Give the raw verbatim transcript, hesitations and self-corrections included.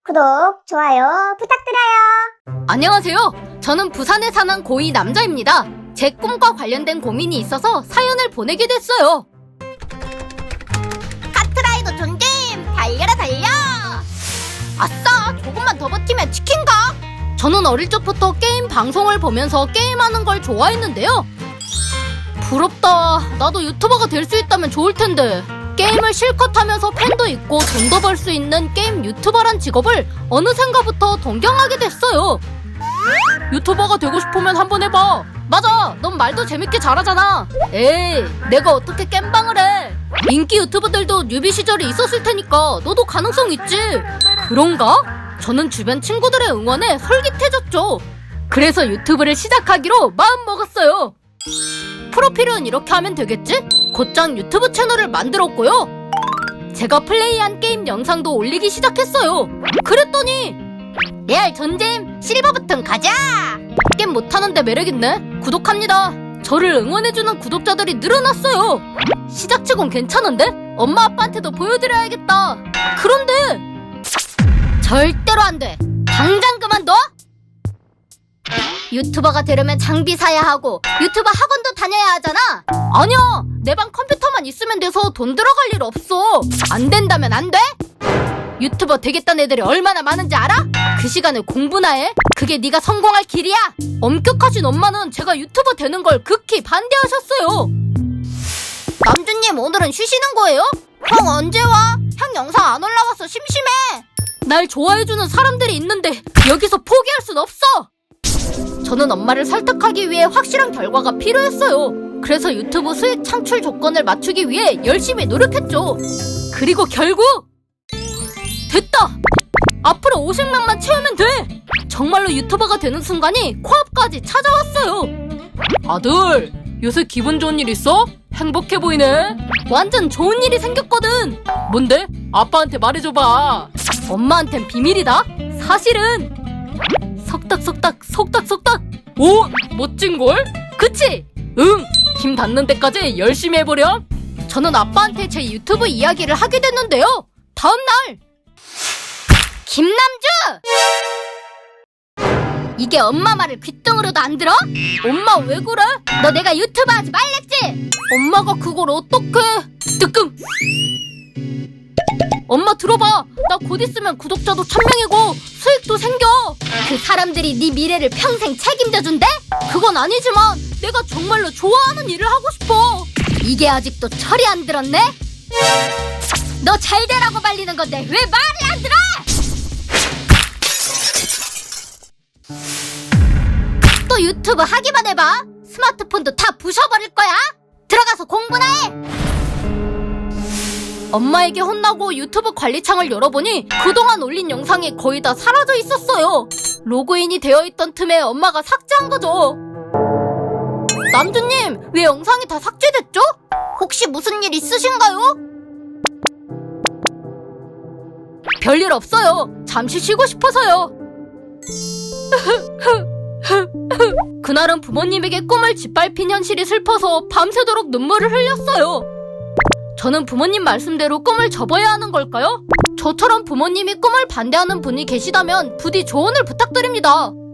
구독, 좋아요 부탁드려요. 안녕하세요. 저는 부산에 사는 고이 남자입니다. 제 꿈과 관련된 고민이 있어서 사연을 보내게 됐어요. 카트라이더 존잼! 달려라 달려! 아싸! 조금만 더 버티면 치킨가? 저는 어릴 적부터 게임 방송을 보면서 게임하는 걸 좋아했는데요. 부럽다. 나도 유튜버가 될 수 있다면 좋을 텐데. 게임을 실컷 하면서 팬도 있고 돈도 벌 수 있는 게임 유튜버란 직업을 어느샌가부터 동경하게 됐어요. 유튜버가 되고 싶으면 한번 해봐. 맞아, 넌 말도 재밌게 잘하잖아. 에이, 내가 어떻게 겜방을 해. 인기 유튜버들도 뉴비 시절이 있었을 테니까 너도 가능성 있지. 그런가? 저는 주변 친구들의 응원에 솔깃해졌죠. 그래서 유튜브를 시작하기로 마음먹었어요. 프로필은 이렇게 하면 되겠지? 곧장 유튜브 채널을 만들었고요. 제가 플레이한 게임 영상도 올리기 시작했어요. 그랬더니 레알 존잼 실버 버튼 가자! 게임 못하는데 매력있네. 구독합니다. 저를 응원해주는 구독자들이 늘어났어요. 시작치곤 괜찮은데? 엄마 아빠한테도 보여드려야겠다. 그런데 절대로 안돼. 당장 그만둬? 유튜버가 되려면 장비 사야 하고 유튜버 학원도 다녀야 하잖아. 아니야, 내 방 컴퓨터만 있으면 돼서 돈 들어갈 일 없어. 안 된다면 안 돼? 유튜버 되겠다는 애들이 얼마나 많은지 알아? 그 시간에 공부나 해? 그게 네가 성공할 길이야? 엄격하신 엄마는 제가 유튜버 되는 걸 극히 반대하셨어요. 남주님, 오늘은 쉬시는 거예요? 형 언제 와? 형 영상 안 올라와서 심심해. 날 좋아해주는 사람들이 있는데 여기서 포기할 순 없어. 저는 엄마를 설득하기 위해 확실한 결과가 필요했어요. 그래서 유튜브 수익 창출 조건을 맞추기 위해 열심히 노력했죠. 그리고 결국 됐다! 앞으로 오십만만 채우면 돼! 정말로 유튜버가 되는 순간이 코앞까지 찾아왔어요. 아들, 요새 기분 좋은 일 있어? 행복해 보이네. 완전 좋은 일이 생겼거든. 뭔데? 아빠한테 말해줘봐. 엄마한텐 비밀이다. 사실은 속닥속닥 속닥속닥. 오, 멋진걸? 그치? 응, 힘 닿는 데까지 열심히 해보렴. 저는 아빠한테 제 유튜브 이야기를 하게 됐는데요. 다음날 김남주! 이게 엄마 말을 귓등으로도 안 들어? 엄마 왜 그래? 너 내가 유튜브 하지 말랬지? 엄마가 그걸 어떡해. 뜨끔. 엄마 들어봐. 나 곧 있으면 구독자도 천 명이고 수익도 생겨. 그 사람들이 네 미래를 평생 책임져준대? 그건 아니지만 내가 정말로 좋아하는 일을 하고 싶어. 이게 아직도 철이 안 들었네? 너 잘 되라고 말리는 건데 왜 말을 안 들어? 또 유튜브 하기만 해봐. 스마트폰도 다 부셔버릴 거야. 들어가서 공부나 해. 엄마에게 혼나고 유튜브 관리창을 열어보니 그동안 올린 영상이 거의 다 사라져 있었어요. 로그인이 되어 있던 틈에 엄마가 삭제한 거죠. 남주님, 왜 영상이 다 삭제됐죠? 혹시 무슨 일 있으신가요? 별일 없어요. 잠시 쉬고 싶어서요. 그날은 부모님에게 꿈을 짓밟힌 현실이 슬퍼서 밤새도록 눈물을 흘렸어요. 저는 부모님 말씀대로 꿈을 접어야 하는 걸까요? 저처럼 부모님이 꿈을 반대하는 분이 계시다면 부디 조언을 부탁드립니다.